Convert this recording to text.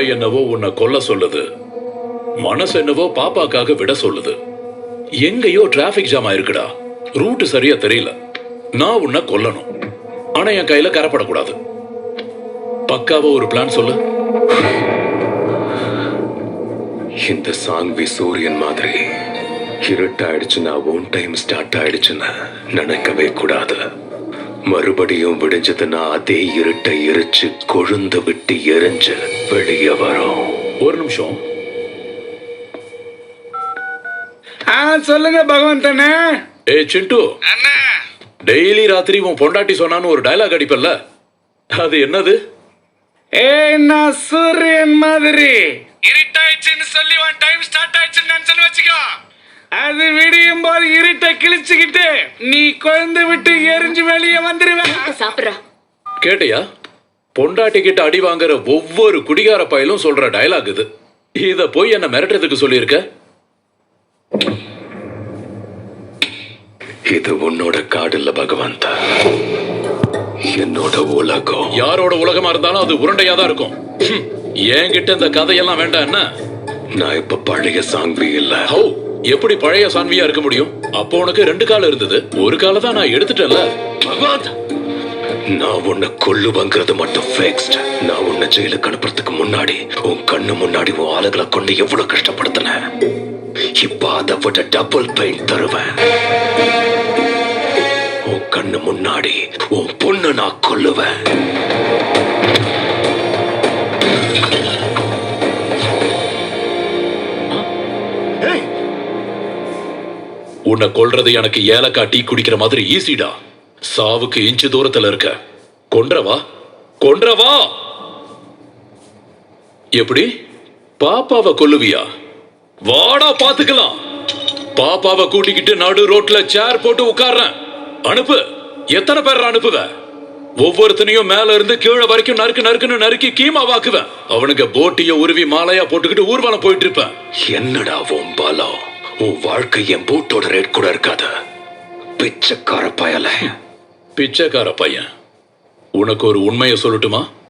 மூளை என்னவோ உன்னை கொல்ல சொல்லுது, மனசு என்னவோ பாப்பாக்காக விட சொல்லுது. எங்கேயோ டிராபிக் ஜாம் ஆயிருக்குடா, ரூட் சரியா தெரியல. நான் உன்னை கொல்லணும், ஆனா என் கையில கரப்படக்கூடாது. பக்காவா ஒரு பிளான் சொல்லு. இந்த சாங்வி சூரியன் மாதிரி இருட்டாயிடுச்சுன்னா ஓன் டைம் ஸ்டார்ட் ஆயிடுச்சுன்னு நினைக்கவே கூடாது. மறுபடியும் விடிஞ்சதுன்னா அதே இருட்டை எரிச்சு கொழுந்து விட்டு எரிஞ்சு வெளியே வரும். ஒரு நிமிஷம். சொல்லுங்க பகவந்தனே. ஏ சிண்டு, டெய்லி ராத்திரி உன் பொண்டாட்டி சொன்னான்னு ஒரு டயலாக் அடிப்பல்ல, அது என்னது? நான் சூரியன் மாதிரி இருட்டாயிடுச்சுன்னு சொல்லி உன் டைம் ஸ்டார்ட் ஆயிடுச்சுன்னு நினைச்சேன்னு வச்சுக்கோ, அது விடியும் போது இருட்டை கிழிச்சுக்கிட்டு நீ கொழுந்து விட்டு எரிஞ்சு வெளியே வந்துருவேன். சாப்பிடுறா. கேட்டியா? பொண்டாட்டி கிட்ட அடி வாங்குற ஒவ்வொரு குடிகார பயலும் சொல்ற டயலாக் இது. இத போய் என்ன மிரட்டுறதுக்கு சொல்லியிருக்க? இது உன்னோட காடு இல்ல பகவந்தா, என்னோட உலகம். யாரோட உலகமா இருந்தாலும் அது உருண்டையா தான் இருக்கும். என்கிட்ட இந்த கதையெல்லாம் வேண்டாம். என்ன, நான் இப்ப பழைய சாங்வி இல்ல. ஹோ, எப்படி பழைய சான்வியா இருக்க முடியும்? அப்போ உனக்கு 2 காலம் இருந்தது, ஒரு கால தான் நான் எடுத்துட்டேன்ல. பகவந்த், நான் உன்னை கொல்லுவங்கிறது மட்டும் ஃபிக்ஸ்ட். நான் உன்னை ஜெயிலுக்கு அனுப்புறதுக்கு முன்னாடி உன் கண்ணு முன்னாடி உன் ஆளுகளை கொண்டு எவ்வளவு கஷ்டப்படுத்தினேன். இப்ப அதை விட டபுள் பெயின் தருவேன். உன் கண்ணு முன்னாடி உன் பொண்ணு நான் கொல்லுவேன். உன்னை கொல்றது எனக்கு ஏலக்காய் டீ குடிக்கிற மாதிரி ஈஸிடா. சாவுக்கு இன்ச்சு தூரத்துல இருக்க. கொன்றவா கொன்றவா. எப்படி பாப்பாவை கொல்லுவியா? வாடா பாத்துக்கலாம். பாப்பாவை கூட்டிக்கிட்டு நடு ரோட்ல சேர் போட்டு உட்கார்றேன். அனுப்பு. எத்தனை பேர் அனுப்புவ? ஒவ்வொருத்தனையும் மேல இருந்து கீழே வரைக்கும் நறுக்கு நறுக்குன்னு நறுக்கி கீமா வாக்குவேன். அவனுக்கு போட்டிய உருவி மாலையா போட்டுக்கிட்டு ஊர்வலம் போயிட்டு இருப்பேன். என்னடா உன் பலம்? உன் வாழ்க்கை என் பூட்டோட ரேட் கூட இருக்காது. பிச்சைக்கார பயல. பிச்சைக்கார பையன். உனக்கு ஒரு உண்மையை சொல்லட்டுமா?